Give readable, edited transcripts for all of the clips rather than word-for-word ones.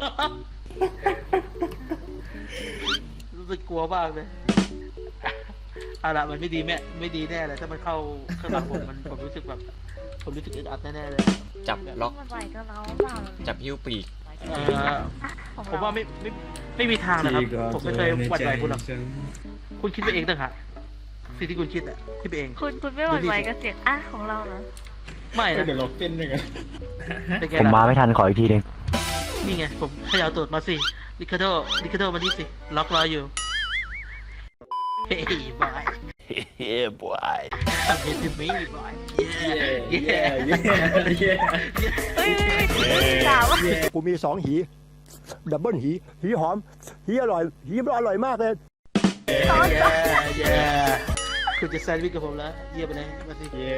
รู้สึกกลัวมากเลยเอาละมันไม่ดีไม่ดีแน่เลยถ้ามันเข้าข้างหลังผมรู้สึกแบบผมรู้สึกอึดอัดแน่ๆเลยจับล็อกมันไหวกับเราเปล่าจับหิ้วปีกของผมเราว่าไม่มีทางนะครับผมไม่เคยหวั่นไหวคุณหรอกคุณคิดไปเองต่างหากสิ่งที่คุณคิดอะคิดไปเองคุณไม่หวั่นไหวกับเสียงของเราเหรอไม่นะเดี๋ยวเราเต้นด้วยกันเป็นไงผมมาล่ะไม่ทันขออีกทีหนึงนี่ไงผมขยาวตูดมาสิลิคาโดมานี่สิล็อกรออยู่เฮ้ยบอยเฮ้ยบอยเฮ้ยมีบอยเย้เย้เย้เฮ้ยด่าวะกูมีสองหีดับเบิลหีหอมหีอร่อยหีมันอร่อยมากเลยเย้คุณจะแซนด์วิชกับผมแล้วเยี่ยมไปเลยมาสิเย้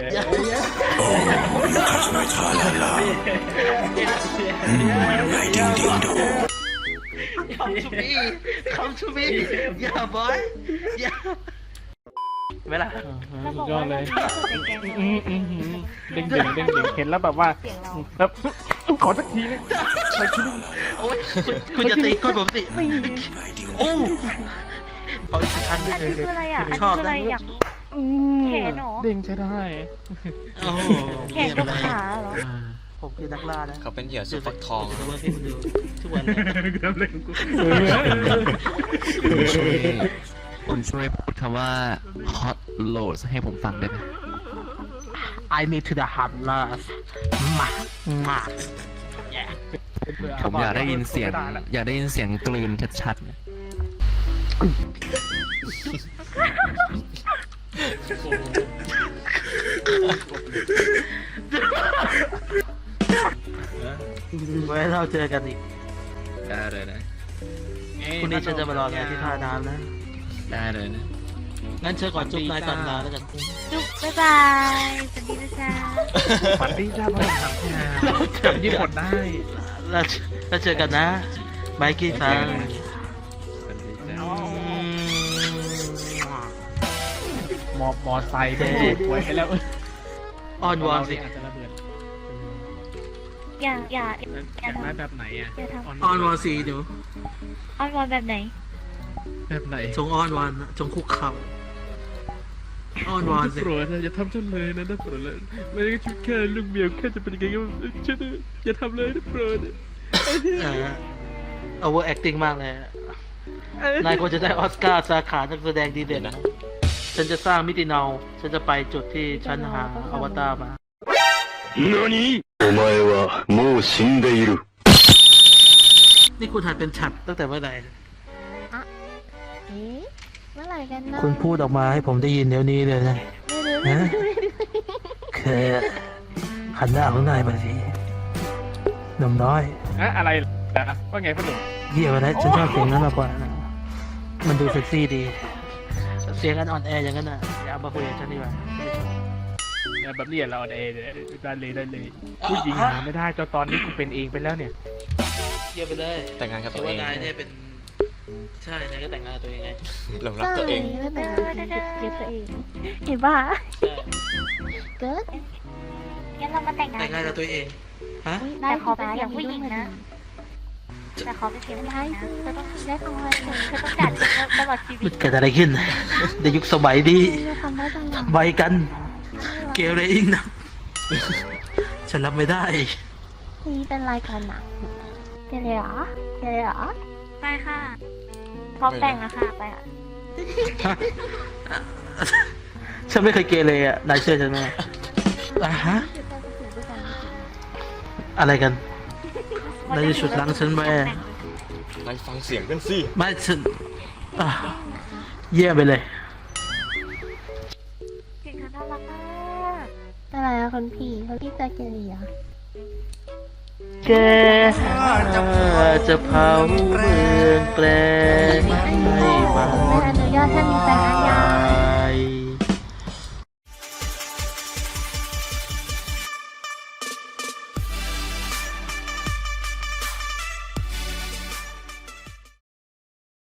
Come to me yeah boy yeah เวลาเราบอกยอว่าดเลยเราไม่เคยแกล้งเด้งเห็นแล้วแบบว่าเสียงเราแบบขอสักทีนึงโอ้ยคุณจะตีก้นผมสิโอ้ขออีกครั้งหนึงอันนี้คืออะไรอ่ะ อันนี้ชอบคืออะไรนะอยากแขนเหรอเด้งใช้ได้โอ้แขนกับขาเหรอผมคือนักล่านะเขาเป็นเหยื่อสุดฟักทองดูว่าพี่ดูทุกวันเลยคุณช่วยพูดคำว่า hot loads ให้ผมฟังได้ไหม I need to the hot last มาผมอยากได้ยินเสียง อยากได้ยินเสียงกลืนชัดๆนะไว้เราเจอกันอีกได้เลยนะพรุ่งนี้ฉันจะมารอแกที่ท่าน้ำนะได้เลยนะงั้นเชิญก่อนจุ๊บนายก่อนลาแล้วกันจุ๊บบ๊ายบายสวัสดีนะจ๊ะฝันดีจ้าพลังทำงานจำยี่ปดได้แล้วเจอกันนะไมกี้ฟังมอไซค์ไปดูดหวยไปแล้วอ้อนวอนสิอาจจะระเบิดอย่าอยากได้แบบไหนอ่ะอย่าทำอ้อนวอนสิหนูอ้อนวอนแบบไหนแบบไหนจงอ้อนวอนจงคุกเข่าอ้อนวอนสิโปรดอย่าทำฉันเลยนะโปรดเลยไม่ได้ชุดแค่ลูกเมียแค่จะเป็นยังไงก็ฉันอย่าทำเลยนะโปรด over acting มากเลยนายควรจะได้ออสการ์สาขานักแสดงดีเด่นนะฉันจะสร้างมิติเนาฉันจะไปจุดที่ฉันหาอวตารมาお前はもう死んでいるนี่คุณหัดเป็นฉัดตั้งแต่เมื่อไหร่เอ๊ะเมื่อไหร่กันนะคุณพูดออกมาให้ผมได้ยินเดี๋ยวนี้เลยนะฮะคือหันหน้าของนายมาสิหนุ่มน้อยอะไรนะว่าไงพ่อหนุ่มเยี่ยมเลยฉันชอบเสียงนั้นมากกว่านะมันดูเซ็กซี่ดี เสียงกันอ่อนแออย่างนั้นน่ะอย่าเอามาคุยกับฉันดีกว่าแบบนี้เราได้เลยผู้หญิงหาไม่ได้จนตอนนี้กูเป็นเองไปแล้วเนี่ยเยี่ยมไปเลยแต่งงานกับถืตัอวเอว่าง นายเนี่ยเป็นใช่นายก็แต่งงานกับตัวเองไงหลงรักตัวเองแล้วแต่เก็บตัวเองเห็นป่ะใช่เกิดงั้นเรามาแต่งงานแต่งงานกับตัวเองฮะแต่ขอเป็นเสียงผู้หญิงนะแต่ขอเป็นเสียงผู้หญิงนะเธอต้องได้ทำอะไรเธอต้องจัดตลอดชีวิมัตนเกิดอะไรขึ้นในยุคสมัยนี้ทำได้ตลอดทำไมกัน เกเรอิงนะฉันรับไม่ได้นี่เป็นรายการหนังเจเลยเหรอไปค่ะพร้อมแต่งแล้วค่ะไปอ่ะฉันไม่เคยเกเรอ่ะนายเชื่อฉันไหมฮะอะไรกันนายจะฉุดลังฉันไปไปฟังเสียงกันสิไม่ฉันอ่ะเยี่ยมไปเลยเก่งค่ะน่ารักมากอะไรอะคนพี่จะเกลียแกจะเผาเมืองแปลงให้มาไม่อนุญาตให้มีแฟนอาญา